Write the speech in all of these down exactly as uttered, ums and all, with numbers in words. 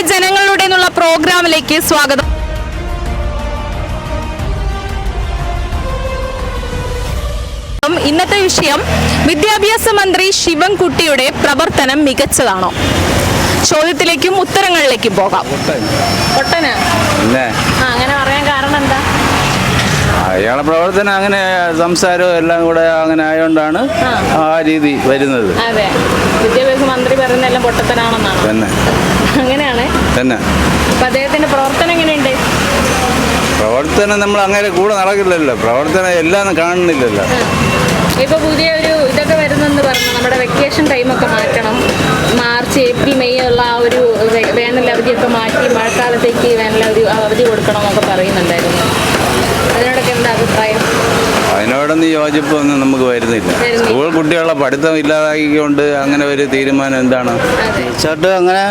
ജനങ്ങളുടെ എന്നുള്ള പ്രോഗ്രാമിലേക്ക് സ്വാഗതം. ഇന്നത്തെ വിഷയം വിദ്യാഭ്യാസ മന്ത്രി ശിവൻകുട്ടിയുടെ പ്രവർത്തനം മികച്ചതാണോ? ചോദ്യത്തിലേക്കും ഉത്തരങ്ങളിലേക്കും പോകാം. അങ്ങനെ പറയാൻ കാരണം എന്താ? അയാളെ പ്രവർത്തനം അങ്ങനെ സംസാരവും എല്ലാം കൂടെ അങ്ങനെ ആയതുകൊണ്ടാണ് ആ രീതി വരുന്നത്. അതെ, വിദ്യാഭ്യാസ മന്ത്രി പറയുന്ന എല്ലാം പൊട്ടത്തനാണെന്നാണ് തന്നെ. അങ്ങനെയാണ് തന്നെ. അപ്പൊ അദ്ദേഹത്തിന്റെ പ്രവർത്തനം എങ്ങനെയുണ്ട്? പ്രവർത്തനം നമ്മൾ അങ്ങനെ കൂടെ നടക്കില്ലല്ലോ, പ്രവർത്തനം എല്ലാം കാണുന്നില്ലല്ലോ. ഇപ്പൊ പുതിയ ഒരു ഇതൊക്കെ വരുന്നെന്ന് പറഞ്ഞു, നമ്മുടെ വെക്കേഷൻ ടൈമൊക്കെ മാറ്റണം, മാർച്ച് ഏപ്രിൽ മെയ് ഉള്ള ആ ഒരു വേനൽ അവധിയൊക്കെ മാറ്റി മഴക്കാലത്തേക്ക് വേനൽ അവധി അവധി കൊടുക്കണം എന്നൊക്കെ പറയുന്നുണ്ടായിരുന്നു. അതിനോടൊക്കെ എന്താ അഭിപ്രായം? അതിനോടൊന്നും യോജിപ്പൊന്നും നമുക്ക് വരുന്നില്ല. സ്കൂൾ കുട്ടികളുടെ പഠിത്തം ഇല്ലാതാക്കിക്കൊണ്ട് അങ്ങനെ ഒരു തീരുമാനം എന്താണ്? തീർച്ചയായിട്ടും അങ്ങനെ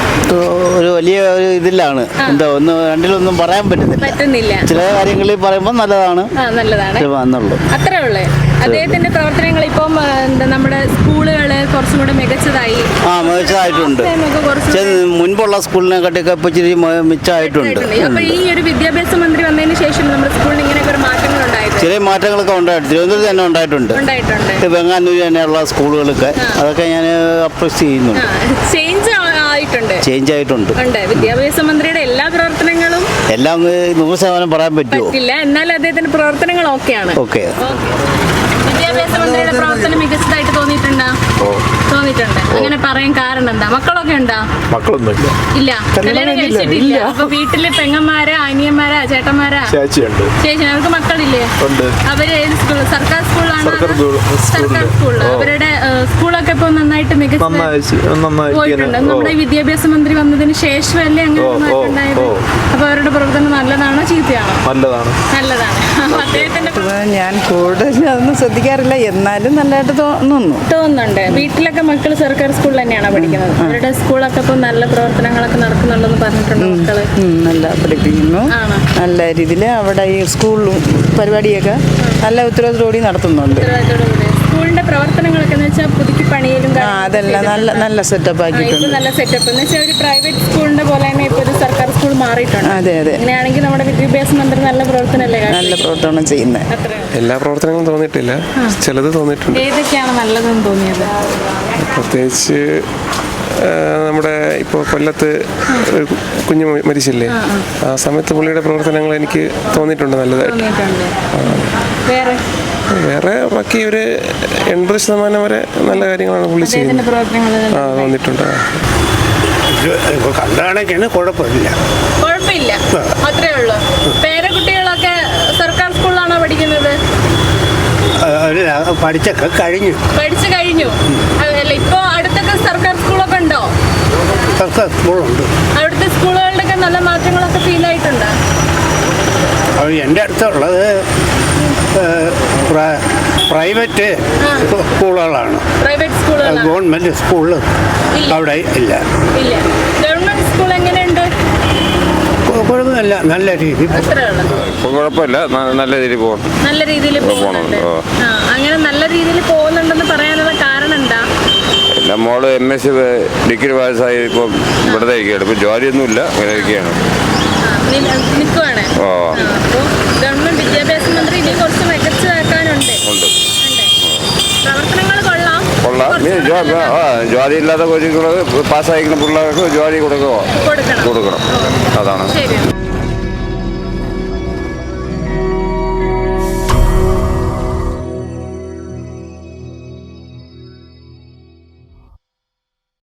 ഒരു വലിയ ഒരു ഇതിലാണ്. എന്താ ഒന്ന് രണ്ടിലൊന്നും പറയാൻ പറ്റുന്നില്ല. ചില കാര്യങ്ങളിൽ പറയുമ്പോൾ നല്ലതാണ് നല്ലതാണ് അത്രേ ഉള്ളേ. അദ്ദേഹത്തിന്റെ പ്രവർത്തനങ്ങൾ ഇപ്പം നമ്മുടെ സ്കൂളുകള് കുറച്ചും കൂടെ മികച്ചതായി ആ മികച്ചതായിട്ടുണ്ട്. മുൻപുള്ള സ്കൂളിനെ കാട്ടിയൊക്കെ ഇപ്പൊ ഇച്ചിരി മിച്ചമായിട്ടുണ്ട്. അപ്പൊ ഈ ഒരു വിദ്യാഭ്യാസ മന്ത്രി വന്നതിന് ശേഷം നമ്മുടെ സ്കൂളിൽ ഇങ്ങനെയൊക്കെ ഒരു മാറ്റങ്ങൾ ഉണ്ടായിട്ടുണ്ട്. ചെറിയ മാറ്റങ്ങളൊക്കെ ഉണ്ടായിട്ടുണ്ട്. തിരുവനന്തപുരത്ത് തന്നെ ഉണ്ടായിട്ടുണ്ട്. വെങ്ങാനൂർ തന്നെയുള്ള സ്കൂളുകളൊക്കെ അതൊക്കെ ഞാൻ അപ്രീഷിയേറ്റ് ചെയ്യുന്നുണ്ട്. ചേഞ്ച് ആയിട്ടുണ്ട് ചേഞ്ച് ആയിട്ടുണ്ട് വിദ്യാഭ്യാസ മന്ത്രിയുടെ എല്ലാ പ്രവർത്തനങ്ങളും എല്ലാം നൂറ് ശതമാനം പറയാൻ പറ്റില്ല. എന്നാൽ അദ്ദേഹത്തിന്റെ പ്രവർത്തനങ്ങൾ ഓക്കെയാണ്. ഓക്കെ. വിദ്യാഭ്യാസ മന്ത്രിയുടെ പ്രവർത്തനം മികച്ചതായിട്ട് തോന്നിയിട്ടുണ്ടോ? തോന്നിയിട്ടുണ്ട്. അങ്ങനെ പറയാൻ കാരണം എന്താ? മക്കളൊക്കെ ഉണ്ടോ? മക്കളൊന്നുമില്ല. ഇല്ല, കല്യാണം കഴിച്ചിട്ടില്ല. അപ്പൊ വീട്ടില് പെങ്ങന്മാരാ, അനിയന്മാരാ, ചേട്ടന്മാരാ? ചേച്ചിയുണ്ട്. ചേച്ചി, അവർക്ക് മക്കളില്ലേ? അവര് ഏത് സ്കൂൾ? സർക്കാർ സ്കൂളാണ്. സർക്കാർ സ്കൂളിൽ അവരുടെ സ്കൂളൊക്കെ ഇപ്പൊ നന്നായിട്ട് മികച്ച പോയിട്ടുണ്ട്. നമ്മുടെ വിദ്യാഭ്യാസ മന്ത്രി വന്നതിന് ശേഷമല്ലേ അങ്ങനെ ഉണ്ടായത്? അപ്പൊ അവരുടെ പ്രവർത്തനം നല്ലതാണോ ചീത്തയാണോ? നല്ലതാണ്. നല്ലതാണ്. അദ്ദേഹത്തിന്റെ ഞാൻ കൂടുതൽ അതൊന്നും ശ്രദ്ധിക്കാറില്ല, എന്നാലും നല്ലതായിട്ട് തോന്നുന്നു തോന്നുന്നുണ്ട്. വീട്ടിലൊക്കെ മക്കൾ സർക്കാർ സ്കൂളിൽ തന്നെയാണോ പഠിക്കുന്നത്? അവരുടെ സ്കൂളൊക്കെ ഇപ്പൊ നല്ല പ്രവർത്തനങ്ങളൊക്കെ നടക്കുന്നുണ്ടെന്ന് പറഞ്ഞിട്ടുണ്ട്. മക്കള് നല്ല പഠിപ്പിക്കുന്നു, നല്ല രീതിയിൽ അവിടെ ഈ സ്കൂളിലും പരിപാടിയൊക്കെ നല്ല ഉത്തരവാദിത്തോടെ നടത്തുന്നുണ്ട്. സ്കൂളിന്റെ പ്രവർത്തനങ്ങളൊക്കെ എന്ന് വെച്ചാൽ പുതുക്കി പണിയിലും അതെല്ലാം നല്ല നല്ല സെറ്റപ്പ് ആക്കിയിട്ടുണ്ട്. നല്ല സെറ്റപ്പ് എന്ന് വെച്ചാൽ ഒരു പ്രൈവറ്റ് സ്കൂളിന്റെ പോലെ തന്നെ ഇപ്പൊ ഒരു സർക്കാർ സ്കൂൾ മാറിയിട്ടുണ്ട്. അതെ അതെ. അങ്ങനെയാണെങ്കിൽ നമ്മുടെ വിദ്യാഭ്യാസ മന്ത്രി നല്ല പ്രവർത്തനമല്ലേ? നല്ല പ്രവർത്തനം ചെയ്യുന്നത്. എല്ലാ പ്രവർത്തനങ്ങളും തോന്നിയിട്ടില്ല, ചിലത് തോന്നിയിട്ടുണ്ട്. ഏതൊക്കെയാണ് നല്ലതെന്ന് തോന്നിയത്? പ്രത്യേകിച്ച് നമ്മുടെ ഇപ്പോൾ കൊല്ലത്ത് ഒരു കുഞ്ഞു മരിച്ചില്ലേ, ആ സമയത്ത് പുള്ളിയുടെ പ്രവർത്തനങ്ങൾ എനിക്ക് തോന്നിയിട്ടുണ്ട് നല്ലതായിട്ട്. വേറെ വേറെ ബാക്കി ഒരു എൺപത് ശതമാനം വരെ നല്ല കാര്യങ്ങളാണ് പുള്ളി ചെയ്യുന്നത്. ആ തോന്നിയിട്ടുണ്ട്. കണ്ടാണൊക്കെയാണ് കുഴപ്പമില്ല. കുഴപ്പമില്ല, അത്രേ ഉള്ളൂ. പേരക്കുട്ടികളൊക്കെ സർക്കാർ സ്കൂളിലാണോ പഠിക്കുന്നത്? പഠിച്ചൊക്കെ കഴിഞ്ഞു. പഠിച്ചു കഴിഞ്ഞു. അല്ല, ഇപ്പൊ അടുത്തൊക്കെ സർക്കാർ സ്കൂളൊക്കെ ഉണ്ടോ? സർക്കാർ സ്കൂളുണ്ട്. അവിടുത്തെ സ്കൂളുകളിലൊക്കെ നല്ല മാറ്റങ്ങളൊക്കെ ഫീൽ ആയിട്ടുണ്ട്. എൻ്റെ അടുത്തുള്ളത് പ്രൈവറ്റ് സ്കൂളുകളാണ്. പ്രൈവറ്റ് സ്കൂളുകൾ. ഗവൺമെന്റ് സ്കൂളിൽ അവിടെ ഇല്ല. ഇല്ല. ഗവൺമെന്റ് സ്കൂൾ എങ്ങനെയുണ്ട്? കുഴപ്പമില്ല, നല്ല രീതി. കുഴപ്പമില്ല, നല്ല രീതിയിൽ പോകും. നല്ല രീതിയിൽ പോകുന്നുണ്ട്. അങ്ങനെ നല്ല രീതിയിൽ പോകുന്നുണ്ടെന്ന് പറയാനുള്ള കാരണം എന്താ? എൻ്റെ മോള് എം എസ് സി ഡിഗ്രി പാസ്സായി ഇപ്പം ഇവിടുത്തെ ഇരിക്കുകയാണ്. ഇപ്പം ജോലിയൊന്നുമില്ല, അങ്ങനെ ഇരിക്കുകയാണ്. നിൽക്കുവാണ്. അപ്പോൾ ഗവൺമെന്റ് വിദ്യാഭ്യാസ മന്ത്രി ഇനി കുറച്ച് മികച്ചതാക്കാനുണ്ട്. പ്രവർത്തനങ്ങൾ കൊള്ളാം കൊള്ളാം ജോലി ഇല്ലാത്ത കുഞ്ഞുങ്ങൾ പാസ്സായിരിക്കുന്ന പിള്ളേർക്ക് ജോലി കൊടുക്കുക കൊടുക്കണം. അതാണ്. ശരി.